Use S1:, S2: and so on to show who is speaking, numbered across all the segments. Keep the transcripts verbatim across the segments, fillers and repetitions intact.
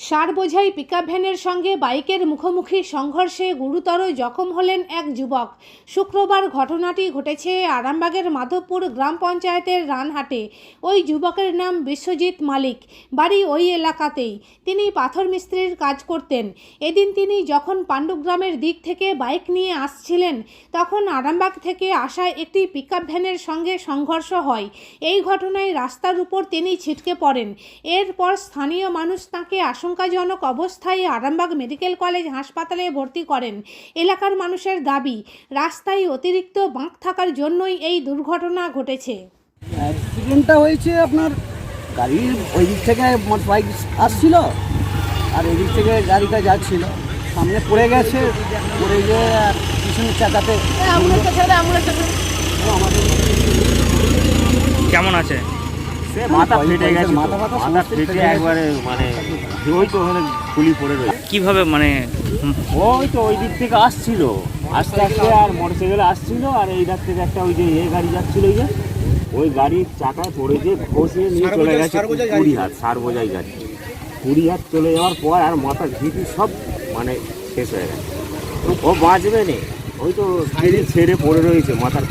S1: সার বোঝাই পিকআপ ভ্যানের সঙ্গে বাইকের মুখোমুখি সংঘর্ষে গুরুতর জখম হলেন এক যুবক। শুক্রবার ঘটনাটি ঘটেছে আরামবাগের মাধবপুর গ্রাম পঞ্চায়েতের রানহাটে। ওই যুবকের নাম বিশ্বজিৎ মালিক, বাড়ি ওই এলাকাতেই। তিনি পাথর মিস্ত্রির কাজ করতেন। এদিন তিনি যখন পাণ্ডুগ্রামের দিক থেকে বাইক নিয়ে আসছিলেন, তখন আরামবাগ থেকে আসা একটি পিকআপ ভ্যানের সঙ্গে সংঘর্ষ হয়। এই ঘটনায় রাস্তার উপর তিনি ছিটকে পড়েন। এরপর স্থানীয় মানুষ তাঁকে আশঙ্কাজনক অবস্থায় আরামবাগ মেডিকেল কলেজ হাসপাতালে ভর্তি করেন। এলাকার মানুষের দাবি, রাস্তায় অতিরিক্ত বাঁক থাকার জন্যই এই দুর্ঘটনা ঘটেছে।
S2: অ্যাক্সিডেন্টটা হয়েছে আপনার গাড়ির ওই দিক থেকে বাইক আসছিল আর এই দিক থেকে গাড়িটা যাচ্ছিল, সামনে পড়ে গেছে, পড়ে গিয়ে পিছনের চাকাতে।
S3: কেমন আছে?
S4: সে মাথা ফেটে গেছে, মাথা মাথা ফেটে একবারে মানে ওই তো ওখানে খুলি পড়ে রয়েছে।
S3: কিভাবে মানে
S4: ওই তো ওই দিক থেকে আসছিল আস্তে আস্তে, আর মোটরসাইকেলে আসছিল, আর এই দিক থেকে একটা ওই যে এ গাড়ি যাচ্ছিল, ওই যে ওই গাড়ির চাকায় পড়ে যে ঘষে নিয়ে চলে গেছে কুড়ি হাত সার বোঝাই গাড়ি। কুড়ি হাত চলে যাওয়ার পর আর মাথার ভিটি সব মানে শেষ হয়ে গেছে। ও বাঁচবে না, ওই তো ছেড়ে পড়ে রয়েছে মাথার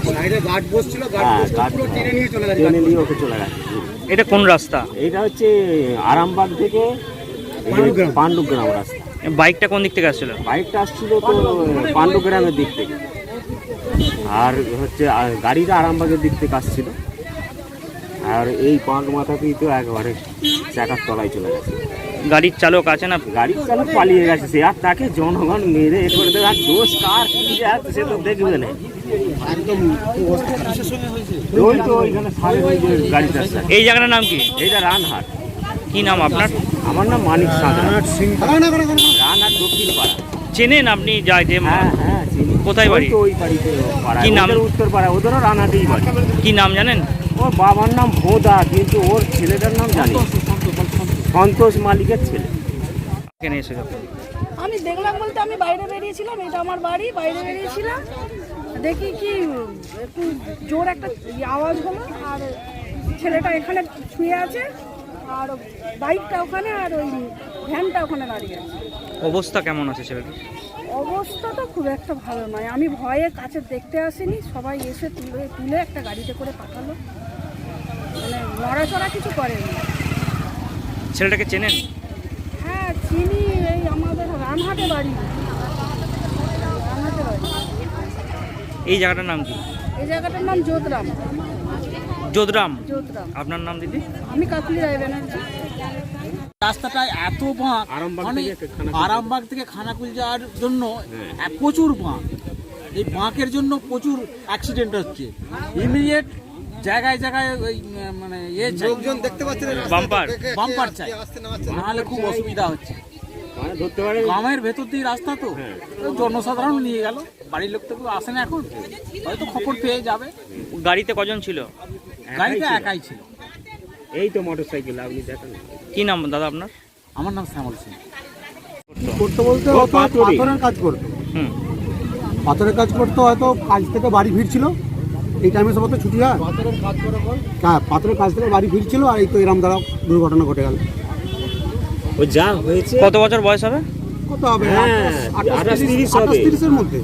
S4: টেনে নিয়ে ওকে চলে গেছে।
S3: এটা কোন রাস্তা?
S4: এটা হচ্ছে আরামবাগ থেকে পাণ্ডুগ্রাম রাস্তা।
S3: বাইকটা কোন দিক থেকে আসছিল?
S4: বাইকটা আসছিল তো পাণ্ডুগ্রামের দিক থেকে, আর হচ্ছে গাড়িটা আরামবাগের দিক থেকে আসছিল। আর এই পাঁক মাথাতেই তো একবারে চাকার তলায় চলে গেছে।
S3: গাড়ির চালক আছে না?
S4: গাড়ির চালক পালিয়ে গেছে, সে আর তাকে জনগণ মেরে এ করে দেবে, আর দোষ কার কি আছে সে তো দেখবে না। ওই তো ওইখানে সারের ওই যে গাড়িটা।
S3: এই জায়গাটার নাম কি?
S4: এইটা রানহাট।
S3: কি নাম আপনার?
S4: আমার নাম মানিক সাঁতরা, রানহাট দক্ষিণ পাড়া।
S3: চেনেন আপনি? যায় যে
S4: হ্যাঁ হ্যাঁ চিনি।
S3: কোথায় বাড়ি?
S4: ওই বাড়িতে পাড়া।
S3: কি নাম?
S4: উত্তর পাড়া, ওদেরও রানহাটেই বাড়ি।
S3: কি নাম জানেন?
S4: ওর বাবার নাম ভোদা, কিন্তু ওর ছেলেটার নাম জানি সন্তোষ মালিকের ছেলে।
S3: এখানে এসে যখন
S5: আমি দেখলাম বলতে আমি বাইরে বেরিয়েছিলাম, এটা আমার বাড়ি, বাইরে বেরিয়েছিলাম, দেখি কি একটু জোর একটা আওয়াজ হলো, আর ছেলেটা এখানে শুয়ে আছে, আর বাইকটা ওখানে, আর ওই ভ্যানটা ওখানে দাঁড়িয়ে আছে।
S3: অবস্থা কেমন আছে ছেলেটা?
S5: অবস্থা তো খুব একটা ভালো নয়। আমি ভয়ে কাছে দেখতে আসিনি, সবাই এসে তুলে তুলে একটা গাড়িতে করে পাঠালো, মানে নড়াচড়া কিছু করেনি।
S3: ছেলেটাকে চেনেন?
S5: হ্যাঁ চিনি, এই আমাদের রানহাটে বাড়ি, রানহাটে বাড়ি।
S3: এই জায়গাটার নাম কি?
S5: এই জায়গাটার নাম যোধরাম।
S3: যোধরাম।
S5: যোধরাম।
S3: আপনার নাম দিদি?
S5: আমি কাকুলি রায় ব্যানার্জি।
S2: রাস্তাটা এত বাঁক,
S4: আরামবাগ
S2: মানে
S4: থেকে খানাকুল।
S2: আরামবাগ থেকে খানাকুল যাওয়ার জন্য এক প্রচুর বাঁক। এই বাঁকের জন্য প্রচুর অ্যাক্সিডেন্ট হচ্ছে। ইমিডিয়েট জায়গায় জায়গায় ওই উম, মানে ইয়ে লোকজন দেখতে পাচ্ছেন,
S3: বাম্পার
S2: বাম্পার চাই, নাহলে খুব অসুবিধা হচ্ছে।
S4: মানে ধরতে পারে
S2: গ্রামের ভেতর দিয়ে রাস্তা তো, তো জনসাধারণ নিয়ে গেল, বাড়ির লোক তো কেউ আসে না এখন, হয়তো খবর পেয়ে যাবে।
S3: গাড়িতে কজন ছিল?
S2: গাড়িটা একাই ছিল।
S4: এই তো মোটরসাইকেল আপনি দেখেন।
S3: কি নাম দাদা আপনার?
S2: আমার নাম শ্যামল সিং।
S6: করতে বলতে
S4: ও,
S6: হয়তো
S4: পাথরে।
S6: পাথরের কাজ করতো,
S3: হুম।
S6: পাথরের কাজ করতো, হয়তো কাজ থেকে বাড়ি ফিরছিল, এই টাইমে সব তো ছুটি হয়, হ্যাঁ পাথরের কাজ থেকে বাড়ি ফিরছিল, আর এই তো এরম দ্বারা দুর্ঘটনা ঘটে গেল।
S4: ও যা হয়েছে
S3: কত বছর বয়স হবে?
S6: কত হবে?
S4: হ্যাঁ, আঠাশ তিরিশ হবে।
S6: আঠাশ তিরিশের মধ্যে।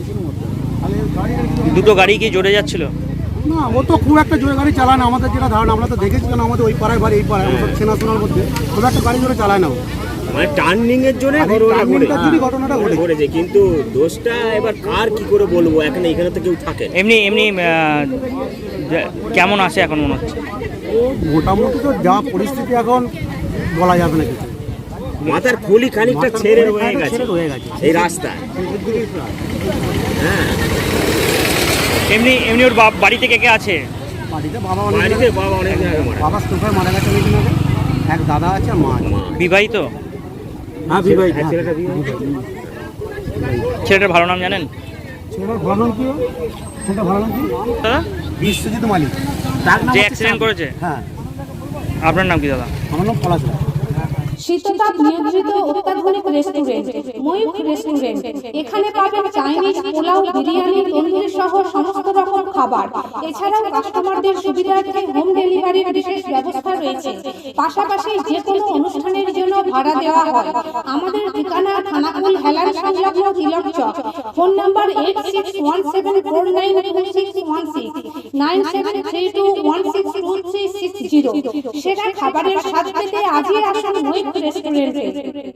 S3: দুটো গাড়ি কি জোরে যাচ্ছিল?
S6: না, ও তো খুব একটা জোরে গাড়ি চালায় না, আমাদের যেটা ধারণা, আমরা তো দেখেছি, কেন আমাদের ওই পাড়ায় বাড়ি, এই পাড়ায় আমাদের চেনাশোনার মধ্যে খুব একটা গাড়ি জোরে চালায় না ও।
S4: মানে টার্নিং এর জন্য
S6: আর এই টার্নিংটার জন্যই ঘটনাটা ঘটেছে।
S4: ঘটেছে, কিন্তু দোষটা এবার কার কি করে বলবো, এখানে এখানে তো কেউ থাকে না।
S3: এমনি এমনি আহ, যে- কেমন আছে এখন মনে হচ্ছে?
S6: ও মোটামুটি তো যা পরিস্থিতি এখন বলা যাবে না কিছু।
S4: মাথার খুলি খানিকটা ছেড়ে রয়ে গেছে
S6: ছেড়ে রয়ে গেছে
S4: এই রাস্তায়। হ্যাঁ,
S3: এমনি এমনি ওর বাপ বাড়ি থেকে কে আছে?
S6: বাড়িতে বাবা অনেক
S4: বাড়িতে বাবা অনেক জায়গায় মারা।
S6: বাবা স্টোফার মারা গেছে অনেকদিন আগে, এক দাদা আছে, মা আছে।
S3: বিবাহিত?
S6: হ্যাঁ বিবাহিত।
S4: হ্যাঁ, ছেলেটা বিবাহিত।
S3: ছেলেটার ভালো নাম জানেন
S6: ছেলেটার ভালো নাম কি? ছেলেটার ভালো নাম কি?
S3: দাদা?
S6: বিশ্বজিৎ মালিক। তার নাম
S3: যে
S6: হচ্ছে
S3: অ্যাক্সিডেন্ট
S6: শ্যাম।
S3: করেছে?
S6: হ্যাঁ,
S3: আপনার নাম কি দাদা?
S6: আমার নাম পলাশ রায়।
S1: শীততাপ নিয়ন্ত্রিত অত্যাধুনিক রেস্টুরেন্ট ময়ূখ রেস্টুরেন্ট। এখানে পাবেন চাইনিজ, পোলাও, বিরিয়ানি, তন্দুরি সহ সমস্ত রকম খাবার। এছাড়াও কাস্টমারদের সুবিধার্থে হোম ডেলিভারির বিশেষ ব্যবস্থা রয়েছে। পাশাপাশি যে কোনো অনুষ্ঠানের জন্য ভাড়া দেওয়া হয়। আমাদের ঠিকানা খানাকুল হেলান সংলগ্ন Tilak Chak. Phone number eight six one seven four nine two six one six, nine seven three two one six two three six zero. সেরা খাবারের স্বাদ পেতে আজই আসুন মৈত্র রেস্টুরেন্টে।